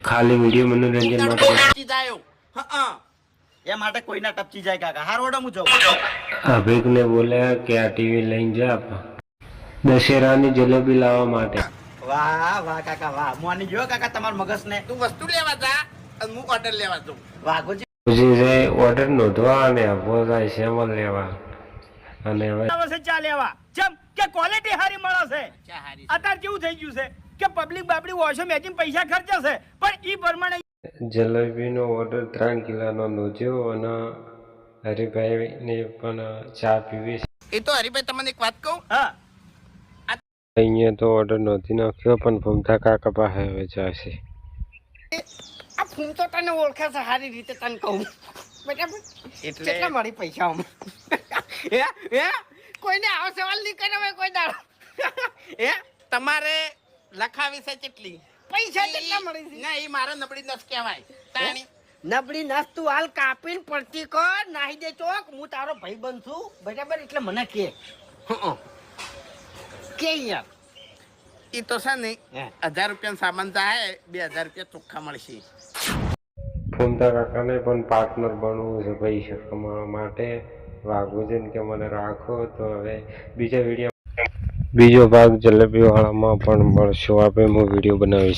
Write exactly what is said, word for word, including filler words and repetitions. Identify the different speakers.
Speaker 1: ખાલી વિડીયો મનોરંજન માટે
Speaker 2: ટપચી જાયો હા એ માટે કોઈના ટપચી જાય કાકા હાર ઓડો હું જાઉં
Speaker 1: અભિકને બોલ્યા કે આ ટીવી લઈને જા દશેરાની જલેબી લાવવા માટે.
Speaker 2: વાહ વાહ કાકા વાહ મોની જો કાકા તમાર મગજ ને
Speaker 3: તું વસ્તુ લેવા જા અને હું ઓર્ડર લેવા જાઉં.
Speaker 2: વાઘોજી
Speaker 1: પછી જાય ઓર્ડર નોંધવા અને આપવો જાય સેમલ લેવા અને હવે
Speaker 4: આવશે ચા લેવા જેમ કે ક્વોલિટી હારી મળે છે.
Speaker 3: ચા હારી
Speaker 4: અત્યારે કેવું થઈ ગયું છે કે પબ્લિક બાપડી વોશો મેચિંગ પૈસા ખર્ચે છે પણ ઈ પ્રમાણે
Speaker 1: જલેબીનો ઓર્ડર ત્રણ કિલોનો નોંધ્યો અને હરિભાઈને પણ ચા પીવી છે.
Speaker 3: એ તો હરીભાઈ તમને એક વાત કહું
Speaker 4: હા
Speaker 1: અહીંયા તો ઓર્ડર નોંધી નાખ્યો પણ ભમતા કાકા પાસે હવે જશે.
Speaker 3: આ ફૂમ તો તને ઓળખે છે સારી રીતે તને કહું બરાબર
Speaker 2: એટલે
Speaker 3: કેટલા મળી પૈસા આમ હે હે કોઈને આવો સવાલ નહીં કર્યો હોય કોઈ દાડો હે તમારે લખાવી છે કેટલી
Speaker 2: પૈસા કેટલા મળી છે?
Speaker 3: ના એ મારા નબળી નસ કહેવાય તાણી
Speaker 2: નબળી નસ તું હાલ કાપીને પડતી કર નાહી દે ચોક હું તારો ભાઈ બનશું બરાબર એટલે મને કે
Speaker 3: હં.
Speaker 2: કે યાર
Speaker 3: એ તો છે ને
Speaker 2: હે.
Speaker 3: હજાર રૂપિયાનો સામાન જાય બે હજાર રૂપિયા ચોખ્ખા મળશે.
Speaker 1: ભમતા કાકાને પણ પાર્ટનર બનવું છે પૈસા કમાવા માટે. વાઘુજીને કે મને રાખો તો હવે બીજા વિડીયો બીજો ભાગ જલેબીવાળામાં પણ મળશો આપણે હું વિડીયો બનાવીશ.